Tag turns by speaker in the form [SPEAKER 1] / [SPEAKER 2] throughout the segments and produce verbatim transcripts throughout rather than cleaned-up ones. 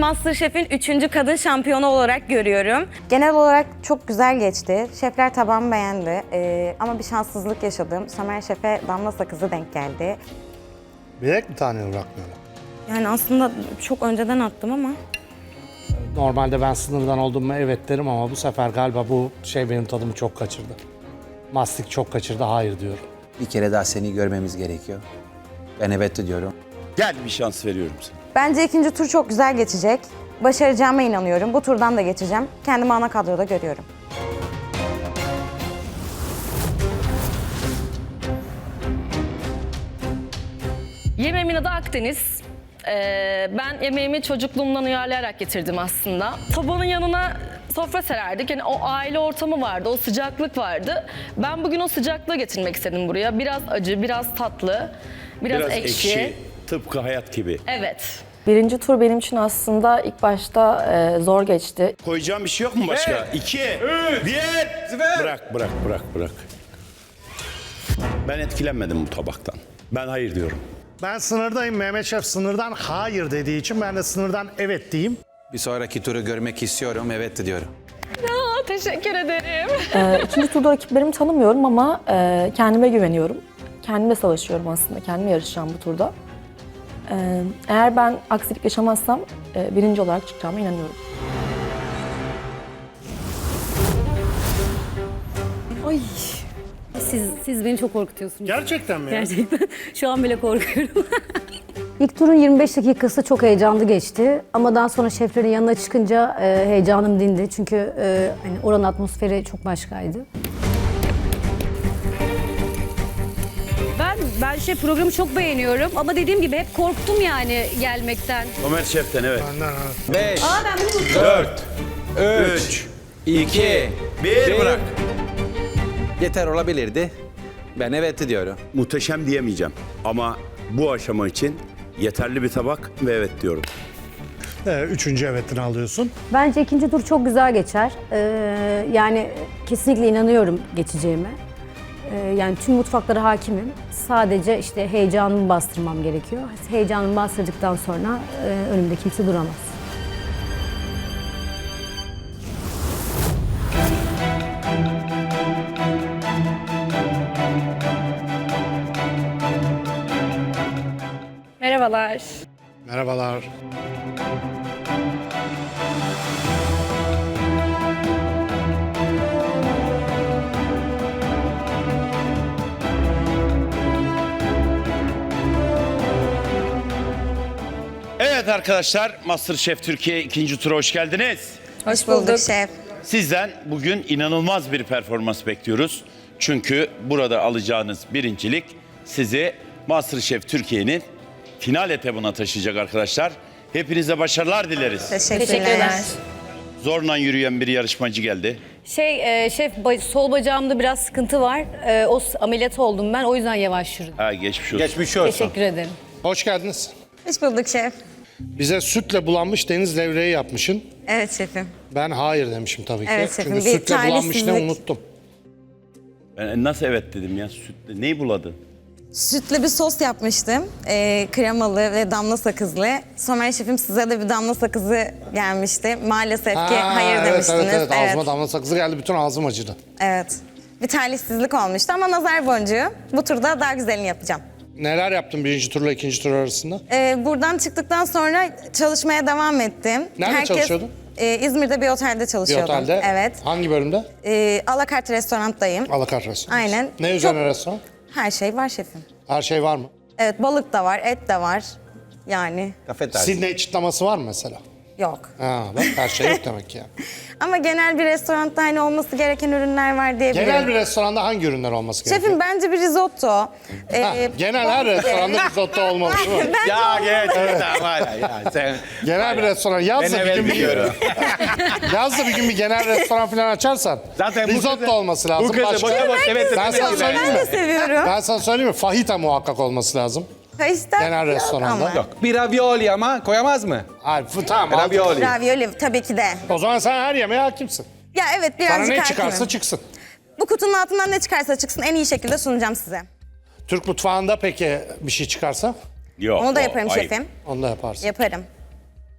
[SPEAKER 1] MasterChef'in üçüncü kadın şampiyonu olarak görüyorum. Genel olarak çok güzel geçti. Şefler tabağımı beğendi. Ee, ama bir şanssızlık yaşadım. Somer Şef'e damla sakızı denk geldi.
[SPEAKER 2] Bilerek mi taneli bırakmıyorlar?
[SPEAKER 1] Yani aslında çok önceden attım ama.
[SPEAKER 2] Normalde ben sınırdan oldum mu evet derim ama bu sefer galiba bu şey benim tadımı çok kaçırdı. Mastik çok kaçırdı, hayır diyorum.
[SPEAKER 3] Bir kere daha seni görmemiz gerekiyor. Ben evet diyorum.
[SPEAKER 4] Gel bir şans veriyorum sana.
[SPEAKER 1] Bence ikinci tur çok güzel geçecek. Başaracağıma inanıyorum. Bu turdan da geçeceğim. Kendimi ana kadroda görüyorum.
[SPEAKER 5] Yemeğimin adı Akdeniz. Ee, ben yemeğimi çocukluğumdan uyarlayarak getirdim aslında. Tabanın yanına sofra sererdik. Yani o aile ortamı vardı, o sıcaklık vardı. Ben bugün o sıcaklığı getirmek istedim buraya. Biraz acı, biraz tatlı, biraz,
[SPEAKER 4] Biraz
[SPEAKER 5] ekşi.
[SPEAKER 4] ekşi, tıpkı hayat gibi.
[SPEAKER 5] Evet.
[SPEAKER 6] Birinci tur benim için aslında ilk başta e, zor geçti.
[SPEAKER 4] Koyacağım bir şey yok mu başka? İki, bir, bırak, bırak, bırak, bırak. Ben etkilenmedim bu tabaktan. Ben hayır diyorum.
[SPEAKER 2] Ben sınırdayım. Mehmet Şef sınırdan hayır dediği için ben de sınırdan evet diyeyim.
[SPEAKER 3] Bir sonraki turu görmek istiyorum, evet diyorum.
[SPEAKER 5] Aa, teşekkür ederim.
[SPEAKER 6] E, ikinci turda rakiplerimi tanımıyorum ama e, kendime güveniyorum. Kendimle savaşıyorum aslında, kendime yarışacağım bu turda. E, eğer ben aksilik yaşamazsam e, birinci olarak çıkacağıma inanıyorum.
[SPEAKER 7] Ay. Siz, siz beni çok korkutuyorsunuz.
[SPEAKER 2] Gerçekten mi ya?
[SPEAKER 7] Gerçekten. Şu an bile korkuyorum.
[SPEAKER 8] İlk turun yirmi beş dakikası çok heyecanlı geçti. Ama daha sonra şeflerin yanına çıkınca e, heyecanım dindi. Çünkü e, hani oranın atmosferi çok başkaydı.
[SPEAKER 7] Ben ben şey programı çok beğeniyorum ama dediğim gibi hep korktum yani gelmekten.
[SPEAKER 4] Ömer Şef'ten evet.
[SPEAKER 2] Benden ha.
[SPEAKER 3] Beş,
[SPEAKER 7] Aa ben bunu unuttum.
[SPEAKER 4] Dört,
[SPEAKER 3] üç, iki,
[SPEAKER 4] bir, bırak.
[SPEAKER 3] Yeter olabilirdi. Ben evet diyorum.
[SPEAKER 4] Muhteşem diyemeyeceğim ama bu aşama için yeterli bir tabak ve evet diyorum.
[SPEAKER 2] Ee, üçüncü evetini alıyorsun.
[SPEAKER 8] Bence ikinci tur çok güzel geçer. E, yani kesinlikle inanıyorum geçeceğime. E, yani tüm mutfaklara hakimim. Sadece işte heyecanımı bastırmam gerekiyor. Heyecanımı bastırdıktan sonra e, önümde kimse duramaz.
[SPEAKER 5] Merhabalar.
[SPEAKER 2] Merhabalar.
[SPEAKER 4] Evet arkadaşlar, MasterChef Türkiye ikinci tura hoş geldiniz.
[SPEAKER 1] Hoş bulduk şef.
[SPEAKER 4] Sizden bugün inanılmaz bir performans bekliyoruz. Çünkü burada alacağınız birincilik sizi MasterChef Türkiye'nin final etabına taşıyacak arkadaşlar. Hepinize başarılar dileriz.
[SPEAKER 1] Teşekkürler.
[SPEAKER 4] Zorla yürüyen bir yarışmacı geldi.
[SPEAKER 7] Şey e, şef ba- sol bacağımda biraz sıkıntı var. E, o s- ameliyat oldum ben o yüzden yavaş yürüdüm.
[SPEAKER 4] Ha geçmiş olsun.
[SPEAKER 3] Geçmiş olsun.
[SPEAKER 7] Teşekkür ederim.
[SPEAKER 2] Hoş geldiniz.
[SPEAKER 1] Hoş bulduk şef.
[SPEAKER 2] Bize sütle bulanmış deniz levreği yapmışsın.
[SPEAKER 1] Evet şefim.
[SPEAKER 2] Ben hayır demişim tabii ki.
[SPEAKER 1] Evet şefim,
[SPEAKER 2] Çünkü
[SPEAKER 1] bir
[SPEAKER 2] sütle bulanmış ne
[SPEAKER 1] talihsizlik.
[SPEAKER 2] unuttum.
[SPEAKER 4] Ben nasıl evet dedim ya sütle. Neyi buladı?
[SPEAKER 1] Sütlü bir sos yapmıştım. Ee, kremalı ve damla sakızlı. Somer şefim size de bir damla sakızı gelmişti. Maalesef ki
[SPEAKER 2] Ha,
[SPEAKER 1] hayır
[SPEAKER 2] evet,
[SPEAKER 1] demiştiniz.
[SPEAKER 2] Evet, evet, ağzıma damla sakızı geldi, bütün ağzım acıdı.
[SPEAKER 1] Evet. Bir talihsizlik olmuştu ama nazar boncuğu. Bu turda daha güzelini yapacağım.
[SPEAKER 2] Neler yaptın birinci turla ikinci tur arasında?
[SPEAKER 1] Ee, buradan çıktıktan sonra çalışmaya devam ettim.
[SPEAKER 2] Nerede çalışıyordun?
[SPEAKER 1] E, İzmir'de bir otelde
[SPEAKER 2] Bir
[SPEAKER 1] çalışıyordum.
[SPEAKER 2] otelde.
[SPEAKER 1] Evet.
[SPEAKER 2] Hangi bölümde?
[SPEAKER 1] E, Alakart restorandayım.
[SPEAKER 2] Alakart restoran.
[SPEAKER 1] Aynen.
[SPEAKER 2] Ne üzerine
[SPEAKER 1] Çok-
[SPEAKER 2] restoran?
[SPEAKER 1] Her şey var şefim.
[SPEAKER 2] Her şey var mı?
[SPEAKER 1] Evet, balık da var, et de var. Yani
[SPEAKER 3] Kafe tarzı.
[SPEAKER 2] Sydney çıtlaması var mı mesela?
[SPEAKER 1] yok.
[SPEAKER 2] Ha bak, her şey yok demek ki yani.
[SPEAKER 1] Ama genel bir restoranda hani olması gereken ürünler var diyebilirim.
[SPEAKER 2] Genel bir restoranda hangi ürünler olması gerekiyor?
[SPEAKER 1] Şefim bence bir risotto.
[SPEAKER 2] Ha,
[SPEAKER 1] Ee,
[SPEAKER 2] genel her restoranda risotto olmalı değil mi?
[SPEAKER 3] Ya gerçekten var ya, ya sen...
[SPEAKER 2] Genel bir restoran. Yaz da
[SPEAKER 3] Ben
[SPEAKER 2] bir
[SPEAKER 3] evet
[SPEAKER 2] gün bir,
[SPEAKER 3] diyorum.
[SPEAKER 2] yaz da bir gün bir genel restoran falan açarsan
[SPEAKER 3] Zaten bu
[SPEAKER 2] risotto
[SPEAKER 3] kızı-
[SPEAKER 2] olması lazım.
[SPEAKER 3] Bu kızı
[SPEAKER 2] Başka-
[SPEAKER 3] boşa boş evet
[SPEAKER 2] Ben sana
[SPEAKER 3] demek
[SPEAKER 2] söyleyeyim
[SPEAKER 1] ben de
[SPEAKER 2] mi?
[SPEAKER 1] seviyorum.
[SPEAKER 2] Ben sana söyleyeyim mi? Fajita muhakkak olması lazım.
[SPEAKER 1] Kayışta
[SPEAKER 2] Genel
[SPEAKER 1] yok
[SPEAKER 2] restoranda.
[SPEAKER 1] ama.
[SPEAKER 2] Yok.
[SPEAKER 3] Bir ravioli ama koyamaz mı?
[SPEAKER 2] Hayır, f- tamam. aldım.
[SPEAKER 3] Ravioli.
[SPEAKER 1] Ravioli tabii ki de.
[SPEAKER 2] O zaman sen her yemeğe hakimsin.
[SPEAKER 1] Ya evet
[SPEAKER 2] Sana
[SPEAKER 1] birazcık
[SPEAKER 2] ne
[SPEAKER 1] hakimim.
[SPEAKER 2] çıkarsa çıksın.
[SPEAKER 1] Bu kutunun altından ne çıkarsa çıksın en iyi şekilde sunacağım size.
[SPEAKER 2] Türk mutfağında peki bir şey çıkarsa
[SPEAKER 4] Yok.
[SPEAKER 1] Onu da
[SPEAKER 4] o
[SPEAKER 1] yaparım
[SPEAKER 4] ayıp.
[SPEAKER 1] şefim.
[SPEAKER 2] onu da yaparsın.
[SPEAKER 1] Yaparım.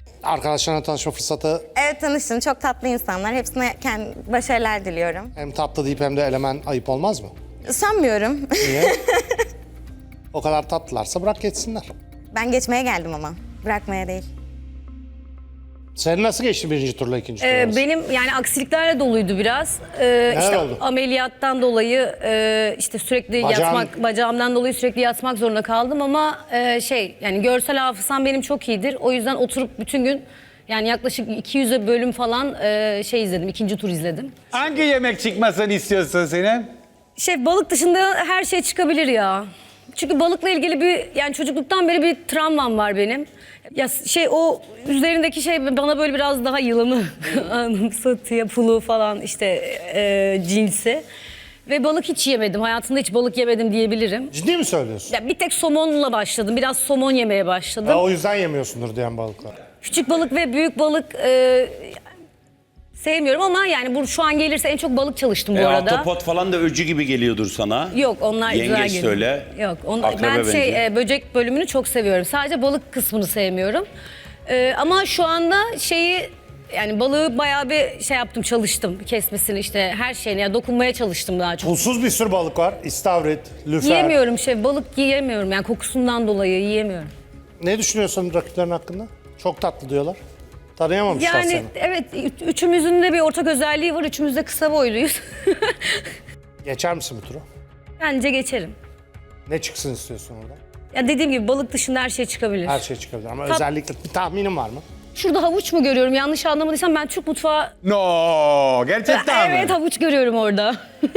[SPEAKER 2] Arkadaşlarına tanışma fırsatı
[SPEAKER 1] Evet, tanıştım. Çok tatlı insanlar. Hepsine kendi başarılar diliyorum.
[SPEAKER 2] hem tatlı deyip hem de elemen ayıp olmaz mı?
[SPEAKER 1] Sanmıyorum.
[SPEAKER 2] Niye? O kadar tatlılarsa bırak geçsinler.
[SPEAKER 1] Ben geçmeye geldim ama. Bırakmaya değil.
[SPEAKER 2] Senin nasıl geçti birinci turla ikinci turla?
[SPEAKER 8] Ee, benim yani aksiliklerle doluydu biraz. Ee, işte
[SPEAKER 2] oldu?
[SPEAKER 8] ameliyattan dolayı e, işte sürekli
[SPEAKER 2] Bacağın-
[SPEAKER 8] yatmak, bacağımdan dolayı sürekli yatmak zorunda kaldım ama e, şey yani görsel hafızam benim çok iyidir. O yüzden oturup bütün gün yani yaklaşık iki yüze bölüm falan e, şey izledim, ikinci tur izledim.
[SPEAKER 9] Hangi yemek çıkmasını istiyorsun senin?
[SPEAKER 8] Şey balık dışında her şey çıkabilir ya. Çünkü balıkla ilgili bir yani çocukluktan beri bir travmam var benim. Ya şey o üzerindeki şey bana böyle biraz daha yılanı anımsatıyor, pulu falan işte e, cinsi. Ve balık hiç yemedim. Hayatımda hiç balık yemedim diyebilirim.
[SPEAKER 2] Ciddi mi söylüyorsun?
[SPEAKER 8] Ya bir tek somonla başladım. Biraz somon yemeye başladım.
[SPEAKER 2] Ha, o yüzden yemiyorsundur diyen balıklar.
[SPEAKER 8] Küçük balık ve büyük balık e, sevmiyorum ama yani bu şu an gelirse en çok balık çalıştım bu
[SPEAKER 4] E,
[SPEAKER 8] arada.
[SPEAKER 4] ahtapot falan da öcü gibi geliyordur sana.
[SPEAKER 8] Yok onlar güzel
[SPEAKER 4] Yengeç
[SPEAKER 8] geliyor.
[SPEAKER 4] söyle.
[SPEAKER 8] Yok on,
[SPEAKER 4] Akrebe
[SPEAKER 8] ben
[SPEAKER 4] benziyor.
[SPEAKER 8] şey e, böcek bölümünü çok seviyorum. Sadece balık kısmını sevmiyorum. E, ama şu anda şeyi yani balığı bayağı bir şey yaptım, çalıştım. Kesmesini işte her şeyine ya dokunmaya çalıştım daha çok.
[SPEAKER 2] Pulsuz bir sürü balık var. İstavrit, lüfer.
[SPEAKER 8] Yiyemiyorum şey balık yiyemiyorum yani kokusundan dolayı yiyemiyorum.
[SPEAKER 2] Ne düşünüyorsun rakiplerin hakkında? Çok tatlı diyorlar. Tanıyamamışlar
[SPEAKER 8] Yani
[SPEAKER 2] seni.
[SPEAKER 8] evet ü- üçümüzün de bir ortak özelliği var. Üçümüz de kısa boyluyuz.
[SPEAKER 2] Geçer misin bu turu?
[SPEAKER 8] Bence geçerim.
[SPEAKER 2] Ne çıksın istiyorsun orada?
[SPEAKER 8] Ya dediğim gibi balık dışında her şey çıkabilir.
[SPEAKER 2] Her şey çıkabilir ama
[SPEAKER 8] Tat-
[SPEAKER 2] özellikle bir tahminin var mı?
[SPEAKER 8] Şurada havuç mu görüyorum? Yanlış anlamadıysam ben Türk mutfağı...
[SPEAKER 9] No, gerçekten
[SPEAKER 8] Evet
[SPEAKER 9] mi?
[SPEAKER 8] havuç görüyorum orada.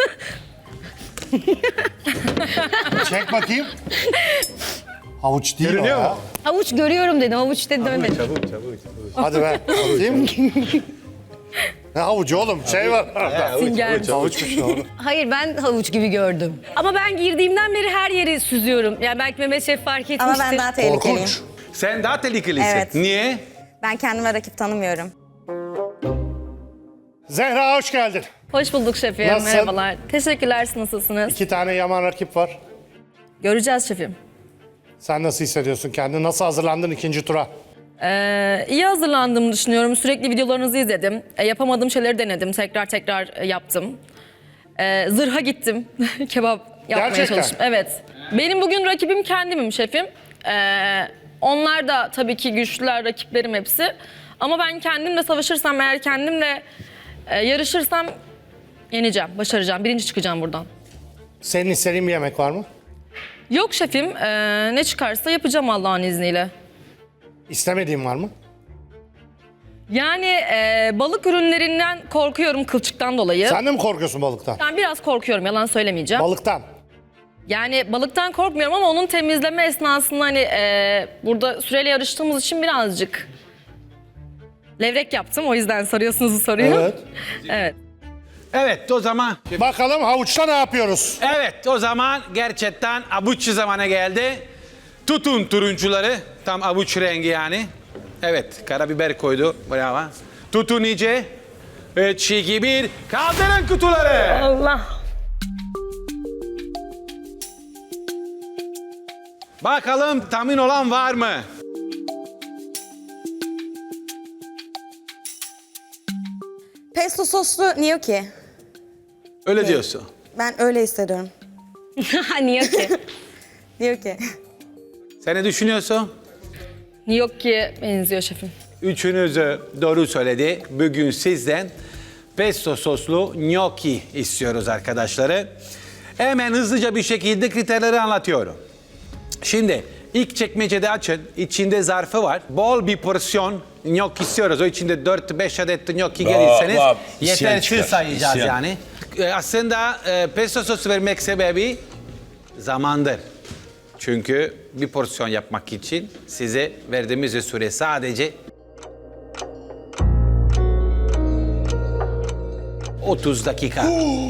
[SPEAKER 2] Çek bakayım. Havuç değil
[SPEAKER 9] Görünüyor
[SPEAKER 2] o ya.
[SPEAKER 9] mu?
[SPEAKER 8] Havuç görüyorum dedim. Havuç dedim demedim.
[SPEAKER 9] Çabuk çabuk çabuk.
[SPEAKER 2] Hadi be. Bakayım. Ne havucu oğlum? Şey var.
[SPEAKER 8] Sünger.
[SPEAKER 2] Havuçmuş doğru.
[SPEAKER 8] Hayır ben havuç gibi gördüm. Ama ben girdiğimden beri her yeri süzüyorum. Yani belki Mehmet Şef fark etmiştir.
[SPEAKER 1] Ama ben daha tehlikeliyim.
[SPEAKER 2] Korkunç.
[SPEAKER 9] Sen daha tehlikelisin.
[SPEAKER 1] Evet.
[SPEAKER 9] Niye?
[SPEAKER 1] Ben kendime rakip tanımıyorum.
[SPEAKER 2] Zehra hoş geldin.
[SPEAKER 5] Hoş bulduk şefim.
[SPEAKER 2] Nasılsın?
[SPEAKER 5] Merhabalar. Teşekkürler. Siz nasılsınız?
[SPEAKER 2] İki tane yaman rakip var.
[SPEAKER 5] Göreceğiz şefim.
[SPEAKER 2] Sen nasıl hissediyorsun kendini? Nasıl hazırlandın ikinci tura?
[SPEAKER 5] Ee, iyi hazırlandığımı düşünüyorum. Sürekli videolarınızı izledim. E, yapamadığım şeyleri denedim. Tekrar tekrar e, yaptım. E, zırha gittim. Kebap yapmaya
[SPEAKER 2] Gerçekten?
[SPEAKER 5] çalıştım. Evet. Benim bugün rakibim kendimim şefim. Ee, onlar da tabii ki güçlüler, rakiplerim hepsi. Ama ben kendimle savaşırsam, eğer kendimle e, yarışırsam yeneceğim, başaracağım. Birinci çıkacağım buradan.
[SPEAKER 2] Senin istediğin bir yemek var mı?
[SPEAKER 5] Yok şefim, e, ne çıkarsa yapacağım Allah'ın izniyle.
[SPEAKER 2] İstemediğin var mı?
[SPEAKER 5] Yani e, balık ürünlerinden korkuyorum kılçıktan dolayı.
[SPEAKER 2] Sen de mi korkuyorsun balıktan?
[SPEAKER 5] Ben biraz korkuyorum, yalan söylemeyeceğim.
[SPEAKER 2] Balıktan.
[SPEAKER 5] Yani balıktan korkmuyorum ama onun temizleme esnasında hani e, burada süreyle yarıştığımız için birazcık levrek yaptım. O yüzden soruyorsunuz bu soruyu.
[SPEAKER 2] Evet.
[SPEAKER 5] Evet.
[SPEAKER 9] Evet o zaman.
[SPEAKER 2] Bakalım havuçta ne yapıyoruz?
[SPEAKER 9] Evet o zaman gerçekten avuç zamanı geldi. Tutun turuncuları. Tam avuç rengi yani. Evet karabiber koydu. Bravo. Tutun iyice. üç, iki, bir. Kaldırın kutuları.
[SPEAKER 5] Allah.
[SPEAKER 9] Bakalım tahmin olan var mı?
[SPEAKER 1] Pesto soslu gnocchi.
[SPEAKER 9] Öyle diyorsun.
[SPEAKER 1] Ben öyle hissediyorum.
[SPEAKER 8] Niye ki?
[SPEAKER 1] Gnocchi.
[SPEAKER 9] Sen ne düşünüyorsun?
[SPEAKER 5] Yok ki benziyor şefim.
[SPEAKER 9] Üçünüz de doğru söyledi. Bugün sizden pesto soslu gnocchi istiyoruz arkadaşları. Hemen hızlıca bir şekilde kriterleri anlatıyorum. Şimdi ilk çekmecede açın. İçinde zarfı var. Bol bir porsiyon gnocchi istiyoruz. O içinde dört beş adet gnocchi gelirseniz
[SPEAKER 4] vah. İsyan
[SPEAKER 9] yetersiz
[SPEAKER 4] çıkar.
[SPEAKER 9] sayacağız
[SPEAKER 4] İsyan.
[SPEAKER 9] yani. E, Aslında e, pesto sosu vermek sebebi zamandır. Çünkü bir porsiyon yapmak için size verdiğimiz süre sadece otuz dakika.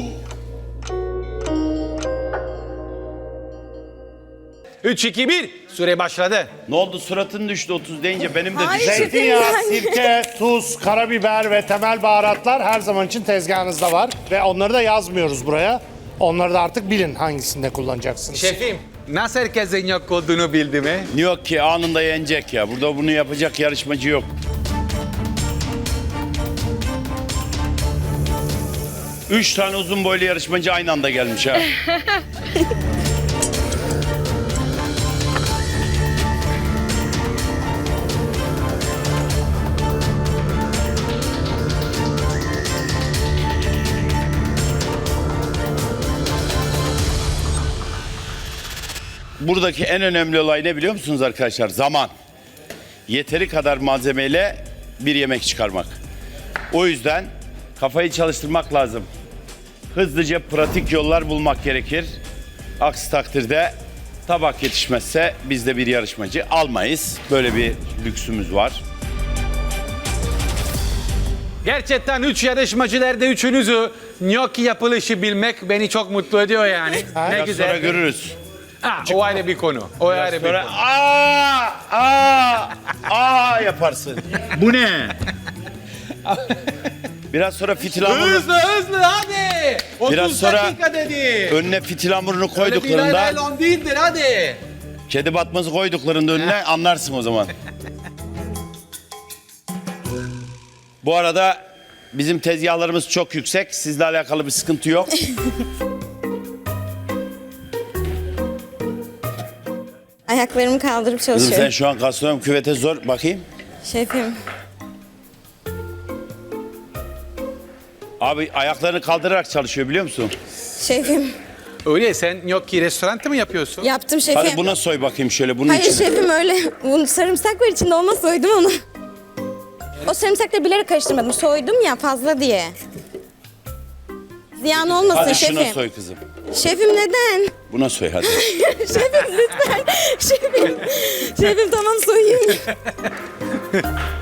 [SPEAKER 9] üç, iki, bir. Süre başladı.
[SPEAKER 4] Ne oldu, suratın düştü otuz deyince, benim de
[SPEAKER 1] Hayır.
[SPEAKER 4] düştü.
[SPEAKER 2] Zeytinyağı, sirke, tuz, karabiber ve temel baharatlar her zaman için tezgahınızda var. Ve onları da yazmıyoruz buraya. Onları da artık bilin hangisinde kullanacaksınız.
[SPEAKER 9] Şefim, Nasıl herkesin yok olduğunu bildi mi?
[SPEAKER 4] Yok ki anında yenecek ya. Burada bunu yapacak yarışmacı yok. Üç tane uzun boylu yarışmacı aynı anda gelmiş ha. Buradaki en önemli olay ne biliyor musunuz arkadaşlar? Zaman. Yeteri kadar malzemeyle bir yemek çıkarmak. O yüzden kafayı çalıştırmak lazım. Hızlıca pratik yollar bulmak gerekir. Aksi takdirde tabak yetişmezse biz de bir yarışmacı almayız. Böyle bir lüksümüz var.
[SPEAKER 9] Gerçekten üç yarışmacılarda üçünüzü gnocchi yapılışı bilmek beni çok mutlu ediyor yani. ne
[SPEAKER 4] Biraz
[SPEAKER 9] güzel.
[SPEAKER 4] sonra görürüz.
[SPEAKER 9] Ha, o ayrı bir konu. O ayrı bir
[SPEAKER 4] Sonra
[SPEAKER 9] konu.
[SPEAKER 4] aa aa aa yaparsın.
[SPEAKER 9] Bu ne?
[SPEAKER 4] Biraz sonra fitil hamurunu,
[SPEAKER 9] Hızlı hızlı hadi. otuz
[SPEAKER 4] Biraz sonra-
[SPEAKER 9] dakika dedi.
[SPEAKER 4] önüne fitil hamurunu
[SPEAKER 9] Öyle bir
[SPEAKER 4] koyduklarında,
[SPEAKER 9] naylon değildir hadi.
[SPEAKER 4] kedi batması koyduklarında önüne anlarsın o zaman. Bu arada bizim tezgahlarımız çok yüksek. Sizle alakalı bir sıkıntı yok.
[SPEAKER 1] Ayaklarımı kaldırıp
[SPEAKER 4] Kızım
[SPEAKER 1] çalışıyorum.
[SPEAKER 4] sen şu an gastronom küvete zor. Bakayım.
[SPEAKER 1] Şefim.
[SPEAKER 4] Abi ayaklarını kaldırarak çalışıyor biliyor musun?
[SPEAKER 1] Şefim.
[SPEAKER 9] Öyle sen gnocchi restoranda mı yapıyorsun?
[SPEAKER 1] Yaptım şefim.
[SPEAKER 4] Hadi buna soy bakayım şöyle bunun
[SPEAKER 1] Hayır
[SPEAKER 4] içine.
[SPEAKER 1] şefim öyle. Bunun sarımsak var içinde olmaz soydum onu. O sarımsakları bilerek karıştırmadım. Soydum ya fazla diye. Ziyan olmasın
[SPEAKER 4] Hadi
[SPEAKER 1] şefim.
[SPEAKER 4] şuna soy kızım.
[SPEAKER 1] Şefim neden?
[SPEAKER 4] Buna soy hadi.
[SPEAKER 1] Şefim lütfen. Şefim. Şefim tamam soyayım.